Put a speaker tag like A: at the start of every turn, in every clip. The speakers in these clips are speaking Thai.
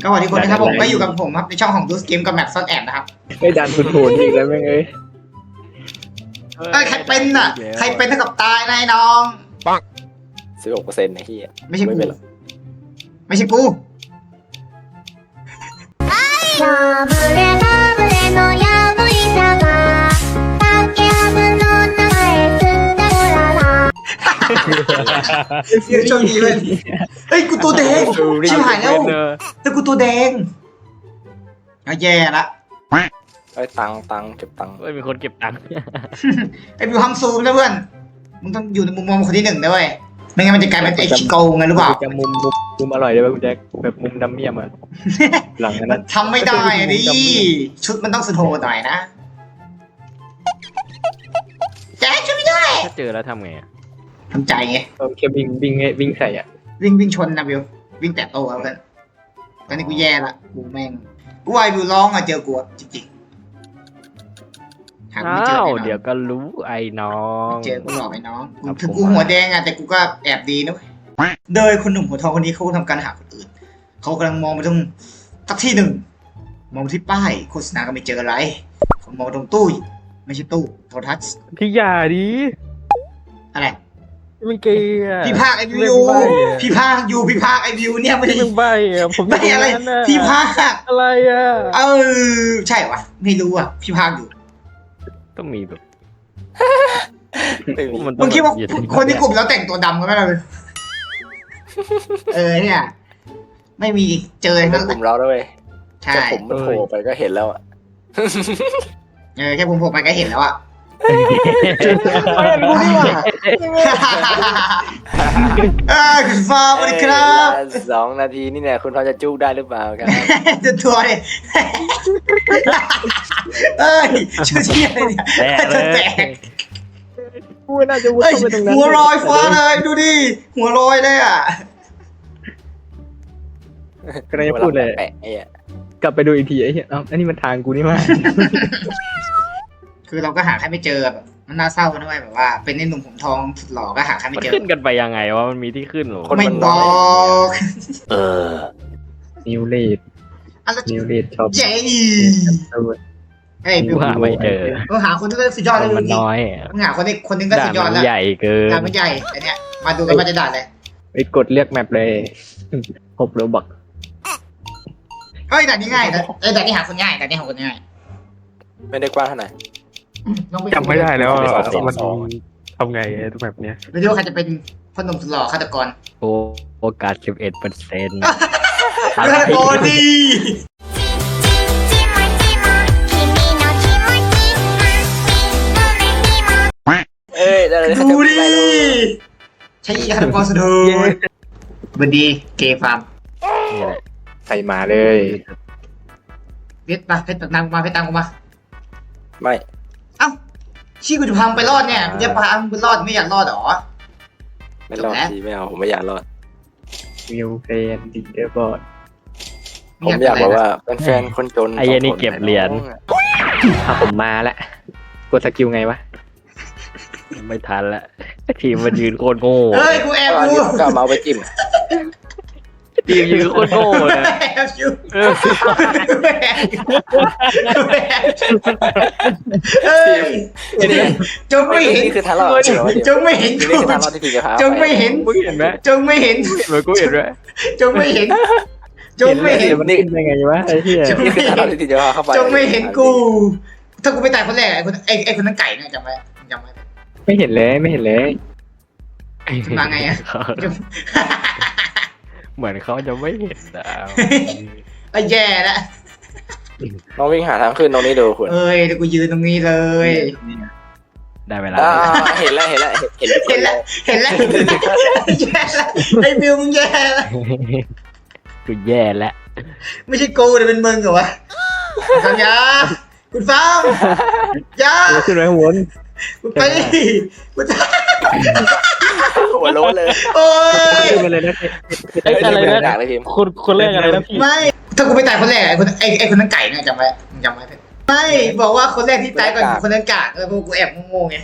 A: ก็สวัสดีคนนะครับผมก็อยู่กับผมครับในช่องของดูสเกมกับแมปซ่อนแอบนะครับ
B: ไม่ดันคุณโหนอีกแล้วแม่งเอ้ย
A: ใครเป็นอ่ะใครเป็นเท่ากับตายนายน้อง
C: 16%ไอ้เหี้ย
A: ไม่ใช่กู
C: เป็นหรอก
A: ไม่ใช่กู
D: ラブレラブレのやぶいさが竹ハブの名前つったよらら
A: เดี๋ยวโชคดีเลยเฮ้ยกูตัวแดงชิบหายแล้วแต่กูตัวแดงเอาแย่ละ
C: ไอ้ตังค์เก็บตังค์
E: ไม่มีคนเก็บตังค์
A: ไอ้บิวห้ามซูมนะเพื่อนมึงต้องอยู่ในมุมมองคนที่หนึ่งนะเว้ยไม่งั้นมันจะกลายเป็นไอ้ชิโกงไงหรือเปล่า
B: จะมุมอร่อยได้ป่ะคุณแจ็คแบบมุมดำเมียมอ่ะหลังนั้น
A: ทำไม่ได้อะดิชุดมันต้องสโทหน่อยนะแจ๊คช่วยไม่ได้
E: ถ้าเจอแล้วทำไงอะ
A: ทำใจไง
B: แค่วิ่งใส่อ่ะ
A: วิ่งชนนะบิววิ่งแตะโต้เอากันตอนนี้กูแย่ละกูแม่งกูว่าไอ้บิวร้องอะเจอกูอะจริงๆหากูไม่เจอ
E: อ้าว
A: แน่นอน
E: เดี๋ยวก็รู้ไอ้น้อง
A: เจอกูหลอกไอ้น้อง
E: ครับ
A: ถึง
E: ผม
A: กูหัวแดงอะแต่กูก็แอบดีนะเว้ยโดยคนหนุ่มหัวทองคนนี้เขาทำการหาคนอื่นเขากำลังมองไปตรงสักที่หนึ่งมองไปที่ป้ายโฆษณาก็ไม่เจออะไรเขามองไปตรงตู้ไม่ใช่ตู้โทรทัศน์
E: พี่อย่าดิ
A: อะไร
E: มันเกย์อะ
A: พี่ภาคไอวิวพี่ภาคอยู่พี่ภาคไอวิวเนี่ยไม่ได้
E: มึงใบอะผม
A: ไม่อะไร
E: ยู่ตงนั้นน่
A: พี่ภาค
E: อะไรอะ
A: ใช่วะไม่รู้อ่ะพี่ภาคอยู่
E: ต้องมีแบบ
C: ไม่มี
E: มันต้
A: มึ
E: อง
A: คิดว่า
E: อยู่ที่
A: คนที่กลุ่มแล้วแต่งตัวดำกันไหมล่ะเนี่ยไม่มีเจอ
C: เป็
A: ทั้
C: น
A: ง
C: กลุ่มเราด้วย
A: ใช่
C: แค่ผมมันโผล่ไปก็เห็นแล้วอ่ะ
A: แค่ผมโผล่ไปก็เห็นแล้วอ่ะคุณฟ้าสวัสดีครับ
C: 2 นาทีนี่เนี่ยคุณพอจะจุกได้หรือเปล่าครับ
A: จะตัวเลยชื่อเที่ยอะไรเนี่ย
E: แตกเล
A: แต
E: ย
A: ก
B: กูน่าจะวิ่งไปตรงนั้น
A: หัวลอยฟ้าเลยดูดิหัวลอยเลยอ่ะ
B: ก็เลยพูดเลย
C: แปะไอ้อะ
B: กลับไปดูอีกทีไอ้เหี้ยอันนี้มันทางกูนี่มาก
A: คือเราก็หาใครไม่เจอแบบมันน่าเศร้านะเว้ยแบบว่าเป็นไอ้หนุ่มผมทองสุดหล่อก็หาใครไม่
E: มัน
A: เจอ
E: ขึ้นกันไปยังไงวะมันมีที่ขึ้นเหรอ
A: ไม่บอก
B: นิวเลด
A: อะไร
B: นิวเลดชอบ
A: เจ๊เฮ้ย
E: กูหาไม่เจอ
A: เราหาคนที่ก็สุดยอดเลย
E: มัน
A: จริง
E: น้อยอะ
A: มึงหาคนนึงก็
E: ด่า
A: สุ
E: น
A: ดยอด
E: มั
A: แล้
E: น
A: ว
E: ใหญ่เกิน
A: ด่านมันใหญ่อันเนี้ยมาดูกันว่าจะด่านอะไร
B: ไปกดเลือกแมปเลย6 โลบัก
A: เฮ้ยด่านนี้ง่ายนะด่านนี้หาคนง่ายด่านนี้หาคนง่าย
C: ไม่ได้กว้างเท่าไหร่
A: ลองป
B: จำไม่ได้แล้ว
C: ไม่ได้
B: มันทำไงแบบเนี้ย
A: ไม่รู้ว่าใครจะเป็นพ่อหนุ่มสุดหล่อฆาตกร
E: โอกาส 11%
A: ฆาตกรดี
D: ちもちも君の気持ちハッピーごめんにも
C: เอ้ยได้เลย
A: ดูดิใช่ฆาตกรสุดโหดบันดีเกย์ฟาร์ม
E: นี่แหละ
B: ใส่มาเลย
A: เพชรมาเพชรตามกูมาเพชรตามกูมา
C: ไม่
A: เอ้าชี้กูจะพังไปรอดเนี่ยมึงจะพามึงไปรอดไม่อยากรอดหรอ
C: ไม่รอดทีไม่เอาผมไม่อยากรอด
B: วิวเฟนดิเดอร์บอร์ด
C: ผมอยากบอกว่าเป็นแฟนคนจน
E: ไอ้เหี้ยนี่เก็บเหรียญ
B: ถ้าผมมาแล้วกดสกิลไงวะ
E: ไม่ทันละทีมมันยืนโคตรโง่
A: เฮ้ยกูแอบ
C: อัน
A: กู
C: นี้ผมก็เอาเมาส์ไปจิ้ม
E: ทีมยืนโคตรโง่เลย
A: แอบอยู่เฮ้ยจงไม่เห็น
C: นี่คือทางรอดจริงเหรอ
A: จงไม่เห็น
C: นี่
A: กู
C: คือทางรอดที่พี่จะพา
A: จงไม่เห็น
E: มึงเห็นไหม
A: จงไม่เห็น
E: เหมือนกูเห็นไหม
A: จงไม่เห็น จงไม่เห็น
B: มันขึ้นได้ไงวะไอ้เหี้ย
C: นี่คือทางรอดที่พี่จะพาเข้าไป
A: จงไม่เห็นกู ถ้ากูไปตายคนแรกไอ้คนนั้นไก่เนี่ยจำไว้จำไว้
B: ไม่เห็นเลยไม่เห็นเลย
A: มาไงอะ
E: เหมือนเขาจะไม่เห็นดาว
A: ไอ้แย่ละ
C: น้องวิ่งหาทางขึ้นตรงนี้ดูคุณ
A: เอ้ยเดี๋ยวกูยืนตรงนี้เลย
E: ได้เวลา
C: เห็นแล้วเห็นแล้วเห็น
A: เห็นแล้วเห็นแล้วแย่ละไอ้บิวมึงแย่ละ
E: กูแย่แล้ว
A: ไม่ใช่กูแต่เป็นมึงเหรอวะสัญญาคุณฟ้ามยา
B: ขึ้นไปข้างบน
A: คุณไปกูจะ
C: หัวโล้นเลย
A: โอ้ย
B: ขึ้นมาเลยนะ
E: ไอ้อะไรนะ
C: ด่าเลยพิม
E: คนแรกอะไรนะพี่
A: ไม่ถ้ากูไปตายคนแรกไอ้คนนั้นไก่เนี่ยจำไว้มึงจำไว้เถอะไม่บอกว่าคนแรกที่ตายก่อนคนนั้นกากพวกกูแอบงงๆไง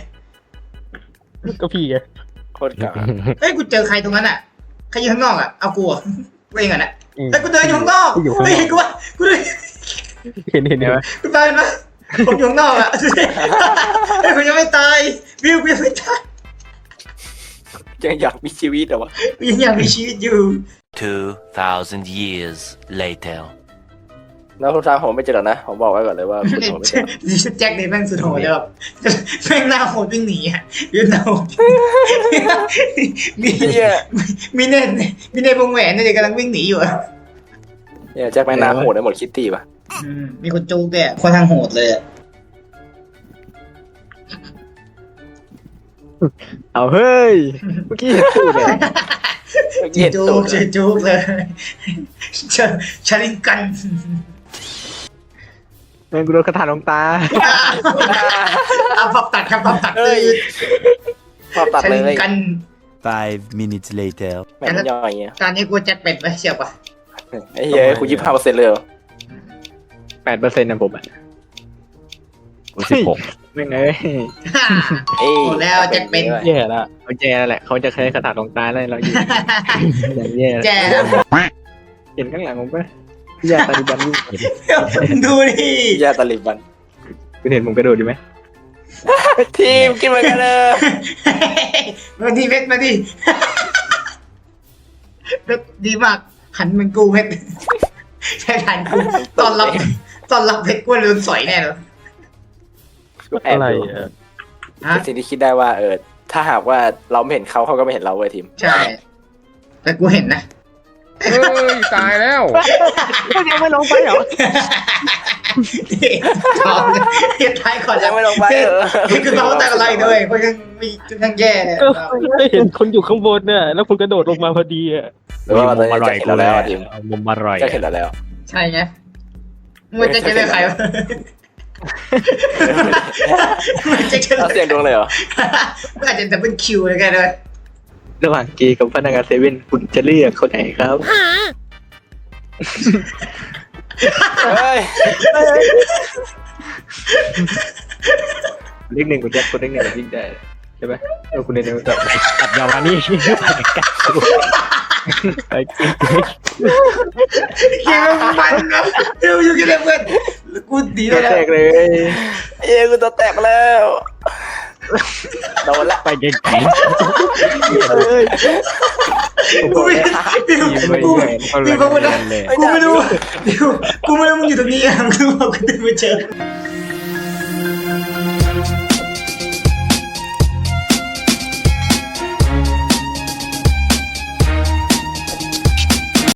E: ก็พี่ไง
C: โคตรกาก
A: เฮ้ยกูเจอใครตรงนั้นอ่ะใครอยู่ข้างนอกอ่ะเอากูอ่ะกูเองอ่ะนะแต่กูเดินอยู่ข้างนอกเฮ้ยกูว่ากูเดิน
E: เห็นไหม
A: กูตายนะผมอยู่ข้างนอกอ่ะเฮ้ยกูยังไม่ตายวิวกูยังไม่ตาย
C: ยังอยากมีชีวิตเหรอวะ
A: กูยังอยากมีชีวิตอยู่
F: 2,000 years later.
C: แล้วทุกทางผมไม่เจอหรอกนะผมบอกไว้ก่อนเลยว่าคุณผมไม่เจอ
A: ดิฉันแจ็คเนี่ยแม่งสุดโหดเลยแบบแม่งหน้าโหดวิ่งหนีอ่ะยืนหน้าโหดมี
C: เฮีย
A: มีเนตวงแหวนเนี่ยกำลังวิ่งหนีอยู่อ่ะ
C: เนี่ยแจ็คแม่งหน้าโหดได้หมดคิตตี้ป่ะ
A: มีคนจูงด้วยอะคนทางโหดเลยอะ
B: เอาเฮ้ยเมื่อกี้เห็นพูดเลย
C: เมื่อกี้เห็น
A: จู
C: ตู
A: ง
C: ดเลย
A: จูงเลยชาลิงกัน
B: แม่งกูโดนกระถางลงตา
A: เอาปรับตัดครับปรับตัด
C: เอ้ยพอตัด
A: ชา
C: เล
A: ลิง
C: ย
A: กัน
F: 5 minutes later.
C: แม่งย่อยเงี้ย
A: ตอนนี้กูแจ็คเป็ดไปเชียวปะ
C: ไอ้เหี้ยคุณ25%เลยเหรอ
B: 8%นะผมอ่ะ
E: กู16
B: แม่งเอ้ย
C: เอ้ย
A: หมดแล้วแจ็คเป็น
B: แย่ละเขาแย่แล้วแหละเขาจะใช้กระถางลงตาเลยเราอยู่อย่างแย่
A: แจ้
B: เห็นข้างหลังผมปะแย่ตาดิบันนี่
A: ดูดิ
C: ยาตาลิบัน
B: คุณเห็นผมกระโดดอยู่ไหม
C: ทีมกินเหมือนกันเลย
A: มาดิเพชรมาดิเพชรดีมากหันเหมันกูเพชรใช่หันกูตอนรับเพชรกูโดนสอยแน่เลย
C: แอบ
E: อะไร
C: ดู
E: อ่ะ
A: ฮะ
C: เป็นสิ่งที่คิดได้ว่าถ้าหากว่าเราไม่เห็นเขาเขาก็ไม่เห็นเราเว้ยทีม
A: ใช่ แต่กูเห็นนะ
E: เฮ้ยตายแล้ว
B: ยังไม่ลงไปเหรอ
A: ชอบเฮียท้ายก่อน
C: ยังไม่ลงไปเหรอ
A: นี่คือเขาแต่อะไรด้วยเพราะยังมียังแย่
E: ไม่เห็นคนอยู่ข้างบนเนี่ยแล้วคุณกระโดดลงมาพอดีอ่ะ
C: หรือว่าตอนนี้จะเห็นเราแล้วอะทีม
E: เอามุมอร่อย
C: จะเห็นเราแล้ว
A: ใช่ไงมันจะเลือกใครวะมันจะ
C: เราเสียงดวงเลยเหรอ
A: มันอาจจะดับเบิลคิวเลยกันเลย
B: ระหว่างกีกับพนักงานเซเว่นคุณจะเลือกคนไหนครับ
C: เฮ้ย
B: เลขหนึ่งคุณแจ็คคนเลขหนึ่งยิ่งได้ใช่ไหมคุณเรียนรู้จัก
E: ตัดยาวมานี่ไปกัน
B: ไอ้กิ๊ก
A: คิวมันนะเดี๋ยวอยู่กันเลยเพื่อนกูดีเลยนะ
B: แตกเลย
C: เอ้ยกูตัวแตกแล้วโดนละ
E: ไปไกล
B: เฮ้ย
A: กูไม่กูไม่รู้มึงอยู่ตรงนี้อ่ะกูบอกกูเดินมาเจอ